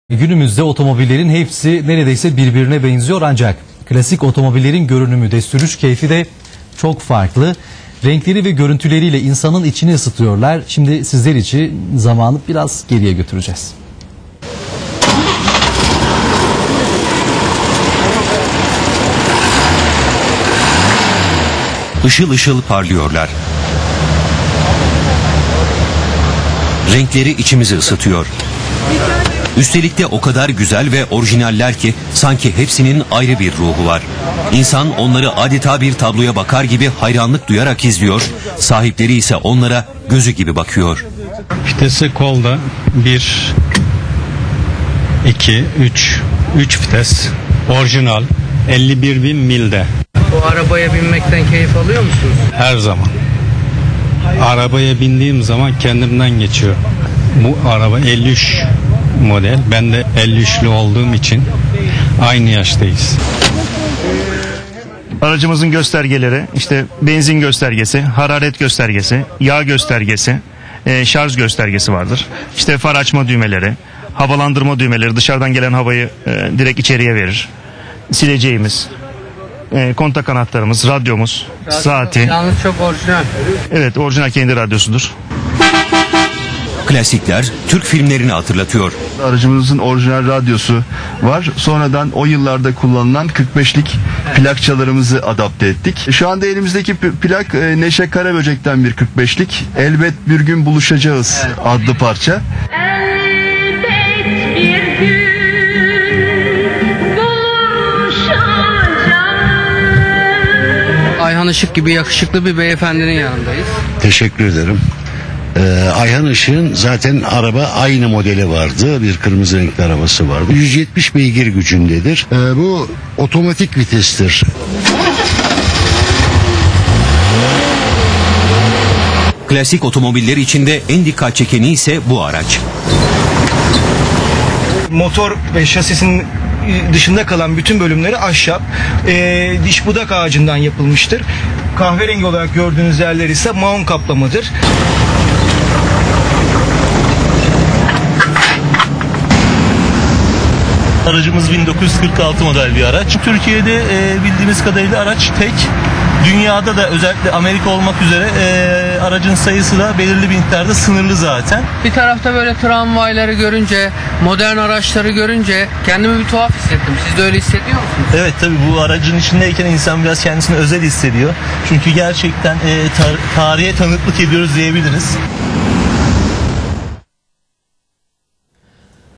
Günümüzde otomobillerin hepsi neredeyse birbirine benziyor ancak klasik otomobillerin görünümü de sürüş keyfi de çok farklı. Renkleri ve görüntüleriyle insanın içini ısıtıyorlar. Şimdi sizler için zamanı biraz geriye götüreceğiz. Işıl ışıl parlıyorlar. Renkleri içimizi ısıtıyor. Üstelik de o kadar güzel ve orijinaller ki sanki hepsinin ayrı bir ruhu var. İnsan onları adeta bir tabloya bakar gibi hayranlık duyarak izliyor, sahipleri ise onlara gözü gibi bakıyor. Vitesi kolda 1, 2, 3 vites, orijinal 51.000 milde. Bu arabaya binmekten keyif alıyor musunuz? Her zaman. Arabaya bindiğim zaman kendimden geçiyor. Bu araba 53 model. Ben de 53'lü olduğum için aynı yaştayız. Aracımızın göstergeleri işte benzin göstergesi, hararet göstergesi, yağ göstergesi, şarj göstergesi vardır. İşte far açma düğmeleri, havalandırma düğmeleri dışarıdan gelen havayı direkt içeriye verir. Sileceğimiz, kontak anahtarımız, radyomuz, saati. Yalnız çok orijinal. Evet, orijinal kendi radyosudur. Klasikler Türk filmlerini hatırlatıyor. Aracımızın orijinal radyosu var. Sonradan o yıllarda kullanılan 45'lik plakçalarımızı adapte ettik. Şu anda elimizdeki plak Neşe Karaböcek'ten bir 45'lik. Elbet bir gün buluşacağız adlı parça. Elbet bir gün buluşacağız. Ayhan Işık gibi yakışıklı bir beyefendinin yanındayız. Teşekkür ederim. Ayhan Işık'ın zaten araba aynı modeli vardı. Bir kırmızı renkli arabası vardı. 170 beygir gücündedir. Bu otomatik vitestir. Klasik otomobiller içinde en dikkat çekeni ise bu araç. Motor ve şasisinin dışında kalan bütün bölümleri ahşap, diş budak ağacından yapılmıştır. Kahverengi olarak gördüğünüz yerler ise maun kaplamadır. Aracımız 1946 model bir araç. Türkiye'de bildiğimiz kadarıyla araç tek. Dünyada da özellikle Amerika olmak üzere aracın sayısı da belirli bir miktarda sınırlı zaten. Bir tarafta böyle tramvayları görünce, modern araçları görünce kendimi bir tuhaf hissettim. Siz de öyle hissediyor musunuz? Evet, tabii bu aracın içindeyken insan biraz kendisini özel hissediyor. Çünkü gerçekten tarihe tanıklık ediyoruz diyebiliriz.